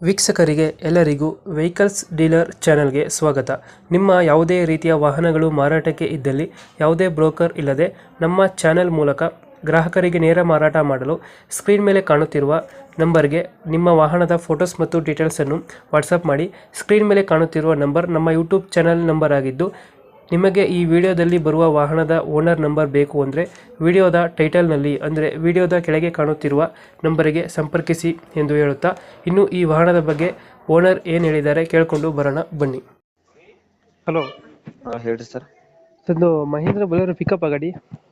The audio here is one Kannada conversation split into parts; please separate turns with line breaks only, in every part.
ವೀಕ್ಷಕರಿಗೆ ಎಲ್ಲರಿಗೂ ವೆಹಿಕಲ್ಸ್ ಡೀಲರ್ ಚಾನೆಲ್ಗೆ ಸ್ವಾಗತ. ನಿಮ್ಮ ಯಾವುದೇ ರೀತಿಯ ವಾಹನಗಳು ಮಾರಾಟಕ್ಕೆ ಇದ್ದಲ್ಲಿ ಯಾವುದೇ ಬ್ರೋಕರ್ ಇಲ್ಲದೆ ನಮ್ಮ ಚಾನೆಲ್ ಮೂಲಕ ಗ್ರಾಹಕರಿಗೆ ನೇರ ಮಾರಾಟ ಮಾಡಲು ಸ್ಕ್ರೀನ್ ಮೇಲೆ ಕಾಣುತ್ತಿರುವ ನಂಬರ್ಗೆ ನಿಮ್ಮ ವಾಹನದ ಫೋಟೋಸ್ ಮತ್ತು ಡೀಟೇಲ್ಸನ್ನು ವಾಟ್ಸಪ್ ಮಾಡಿ. ಸ್ಕ್ರೀನ್ ಮೇಲೆ ಕಾಣುತ್ತಿರುವ ನಂಬರ್ ನಮ್ಮ ಯೂಟ್ಯೂಬ್ ಚಾನೆಲ್ ನಂಬರ್ ಆಗಿದ್ದು, ನಿಮಗೆ ಈ ವಿಡಿಯೋದಲ್ಲಿ ಬರುವ ವಾಹನದ ಓನರ್ ನಂಬರ್ ಬೇಕು ಅಂದರೆ ವಿಡಿಯೋದ ಟೈಟಲ್ನಲ್ಲಿ ಅಂದರೆ ವಿಡಿಯೋದ ಕೆಳಗೆ ಕಾಣುತ್ತಿರುವ ನಂಬರಿಗೆ ಸಂಪರ್ಕಿಸಿ ಎಂದು ಹೇಳುತ್ತಾ, ಇನ್ನು ಈ ವಾಹನದ ಬಗ್ಗೆ ಓನರ್ ಏನು ಹೇಳಿದ್ದಾರೆ ಕೇಳಿಕೊಂಡು ಬರೋಣ ಬನ್ನಿ. ಹಲೋ
ಹೇಳ್ರಿ ಸರ್.
ಒಂದು ಮಹೇಂದ್ರ ಬೊಲೆರೋ ಪಿಕಪ್ ಗಾಡಿ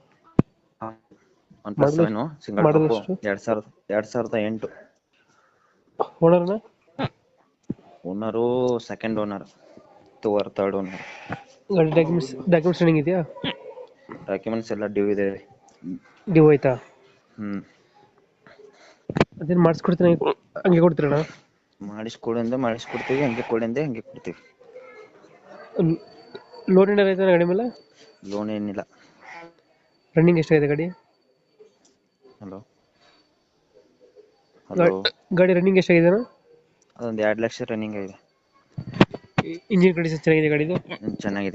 ಸಿಂಗಲ್
ಮಾಡಲ್
ಟಾಪ್
ಎಷ್ಟು?
2008.
ಓನರ್ನ
owner second owner, third owner.
ಗಾಡಿ ಡಾಕ್ಯುಮೆಂಟ್ಸ್ ರನ್ನಿಂಗ್ ಇದೆಯಾ?
ಡಾಕ್ಯುಮೆಂಟ್ಸ್ ಎಲ್ಲ ಡ್ಯೂ ಇದೆ.
ಡ್ಯೂ ಆಯ್ತಾ?
ಹ್ಮ್
ಅದೇನು ಮಾಡಿಸ್ಕೊಡ್ತೀನಿ ಹಂಗೆ ಕೊಡ್ತೀರಣ್ಣ?
ಮಾಡಿಸ್ಕೊಡ್ತೀವಿ, ಹಂಗೆ ಕೊಡಿಂದೆ ಹಂಗೆ ಕೊಡ್ತೀವಿ.
ಲೋನ್ ಏನಾರ ಆಯ್ತಾನ ಗಾಡಿ ಮೇಲೆ?
ಲೋನ್ ಏನಿಲ್ಲ.
ರನ್ನಿಂಗ್ ಎಷ್ಟಾಗಿದೆ ಗಾಡಿ?
ಹಲೋ
ಗಾಡಿ ರನ್ನಿಂಗ್ ಎಷ್ಟಾಗಿದೆ?
ಅದೊಂದು 2 ಲಕ್ಷ ರನ್ನಿಂಗ್ ಆಗಿದೆ.
ಇಂಜಿನ್ ಕಂಡೀಷನ್ ಚೆನ್ನಾಗಿದೆ ಗಾಡಿದು?
ಚೆನ್ನಾಗಿದೆ.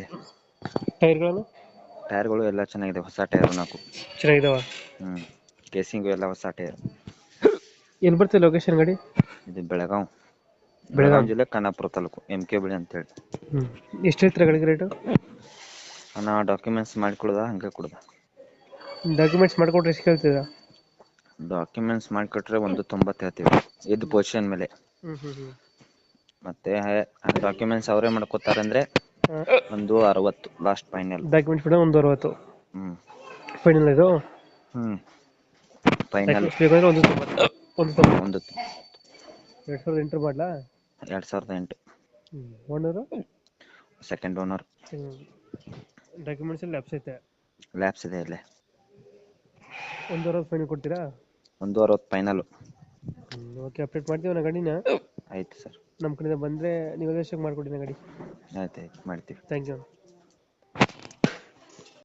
ಟೈರ್ಗಳು
ಎಲ್ಲ ಚೆನ್ನಾಗಿದೆ. ಹೊಸ ಟೈರ್ 4
ಚೆನ್ನಾಗಿದಾವ?
ಕೇಸಿಂಗು ಎಲ್ಲ ಹೊಸ ಟೈರ್.
ಎಲ್ಲಿ ಬರ್ತದೆ ಲೊಕೇಶನ್ ಗಾಡಿ?
ಇದು ಬೆಳಗಾಂ ಜಿಲ್ಲೆ ಖಾನಾಪುರ ತಾಲೂಕು, MK ಬಳಿ ಅಂತೇಳಿ.
ಎಷ್ಟು ಹೇಳ್ತೀರಾ ಗಾಡಿಗೆ ರೇಟು?
ನಾ ಡಾಕ್ಯುಮೆಂಟ್ಸ್ ಮಾಡಿಕೊಡ್ದ ಹಂಗೆ ಕೊಡ್ದ.
ಡಾಕ್ಯುಮೆಂಟ್ಸ್ ಮಾಡ್ಕೊಟ್ರೆ ಎಷ್ಟು ಕೇಳ್ತೀರಾ?
ಡಾಕ್ಯುಮೆಂಟ್ಸ್ ಮಾಡಿಕೊಟ್ರೆ 1.90 ಹೇಳ್ತೀವಿ, ಇದು ಪೊಸಿಷನ್ ಮೇಲೆ. ಮತ್ತೆ ಡಾಕ್ಯುಮೆಂಟ್ಸ್ ಅವರೇ ಮಾಡ್ಕೋತಾರೆ ಅಂದ್ರೆ 160 ಲಾಸ್ಟ್ ಫೈನಲ್.
ಡಾಕ್ಯುಮೆಂಟ್ಸ್ ಕೂಡ 160 ಫೈನಲ್ ಇದು?
ಫೈನಲ್
ಬೇಕಾದ್ರೆ 190. 2008 ಮಾಡಲಾ?
2008.
Owner
second owner.
ಡಾಕ್ಯುಮೆಂಟ್ಸ್ ಅಲ್ಲಿ
ಲ್ಯಾಪ್ಸ್ ಇದೆ ಇಲ್ಲೇ.
160 ಫೈನಲ್ ಕೊಡ್ತೀರಾ?
160 ಫೈನಲ್.
ಓಕೆ, ಅಪ್ಡೇಟ್ ಮಾಡ್ತೀವಿ ನಾ ಗಾಡಿನ.
ಆಯ್ತು ಸರ್.
ನಮ್ಮ ಕಡೆಯಿಂದ ಬಂದರೆ ನೀವು ಎಷ್ಟು ಮಾಡ್ಕೊಡಿ ಗಾಡಿ.
ಆಯ್ತು ಮಾಡ್ತೀವಿ.
Thank you.